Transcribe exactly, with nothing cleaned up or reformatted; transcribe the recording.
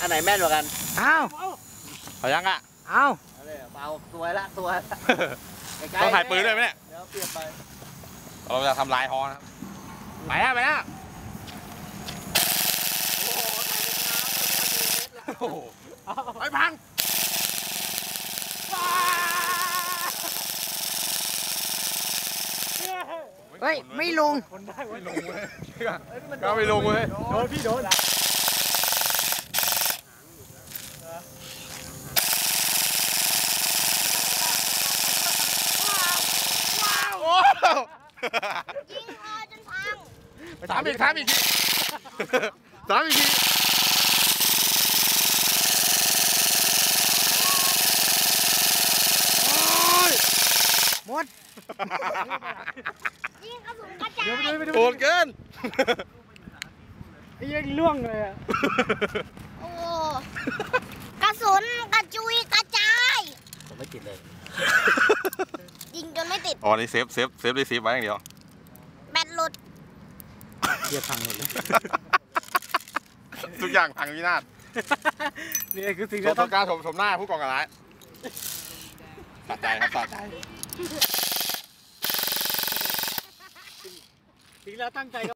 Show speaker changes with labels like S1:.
S1: อันไหนแม่นกว่ากัน
S2: อ้าว
S3: เอายังอ่ะ
S2: อ้าว
S1: เบาสวยละสวย
S3: ต้องถ่ายปืนด้วยไหมเนี่ย
S1: เดี๋ยวเปลี่ยนไป
S3: เราจะทำลายฮอนะไปแล้วไปแล้วไปพัง
S2: เฮ้ยไม่ลง
S3: ไม่ลงเว้ยก็ไม่ลงเว้ย
S1: โดนพี่โดน
S4: ยิงคอจนพัง
S3: สามอีกสามอีกทีสามอีกที
S2: หมด
S4: ยิงกระสุนกระจาย
S3: โหดเกิน
S2: ไอ้ยังล่วงเลยอ่ะ
S4: โอ้กระสุนกระจุยกระจาย
S1: ผมไม่ติดเลย
S4: ยิงจนไม่ติด
S3: อ๋อนี่เซฟเซฟเซฟได้เซฟไว้อย่างเดียว
S4: แบตหลุด
S2: เกียร์พังหมดเลย
S3: ทุกอย่างพังวินาศ
S2: นี่คือสิ่ง
S3: ที่ต้องการชมชมหน้าผู้กองการร้ายสะใจครับสะใจ
S2: สิ่งเราตั้งใจ